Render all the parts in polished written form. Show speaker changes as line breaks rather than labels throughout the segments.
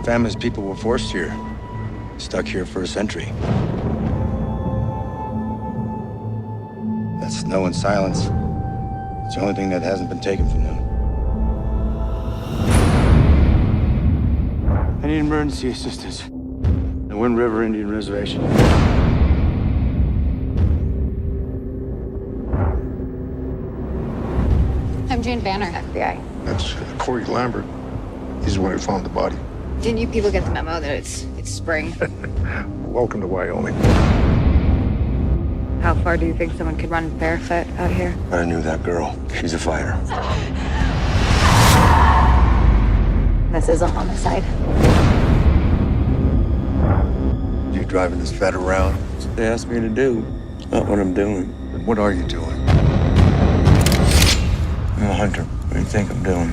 family's people were forced here. Stuck here for a century. That snow and silence. It's the only thing that hasn't been taken from them. I need emergency assistance. The Wind River Indian Reservation.
I'm Jane Banner, FBI.
That's Corey Lambert. He's the one who found the body.
Didn't you people get the memo that it's spring?
Welcome to Wyoming.
How far do you think someone could run barefoot out here?
I knew that girl. She's a fighter.
This is a homicide.
You driving this vet around? That's what they asked me to do. It's not what I'm doing.
And what are you doing?
I'm a hunter. What do you think I'm doing?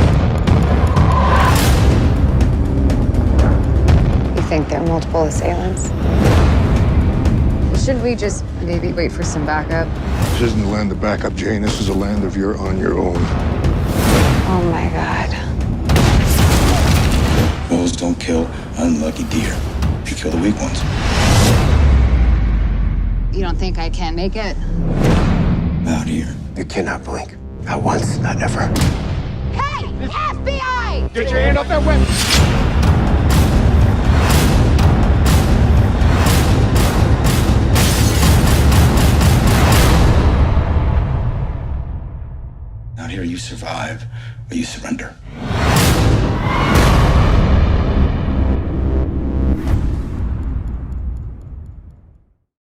You think there are multiple assailants? Shouldn't we just maybe wait for some backup?
This isn't the land of backup, Jane. This is a land of you're on your own.
Oh my God.
Wolves don't kill unlucky deer. They kill the weak ones.
You don't think I can make it?
Out here.
You cannot blink. Not once, not ever.
Hey! FBI!
Get your hand off that weapon!
Out here, you survive or you surrender.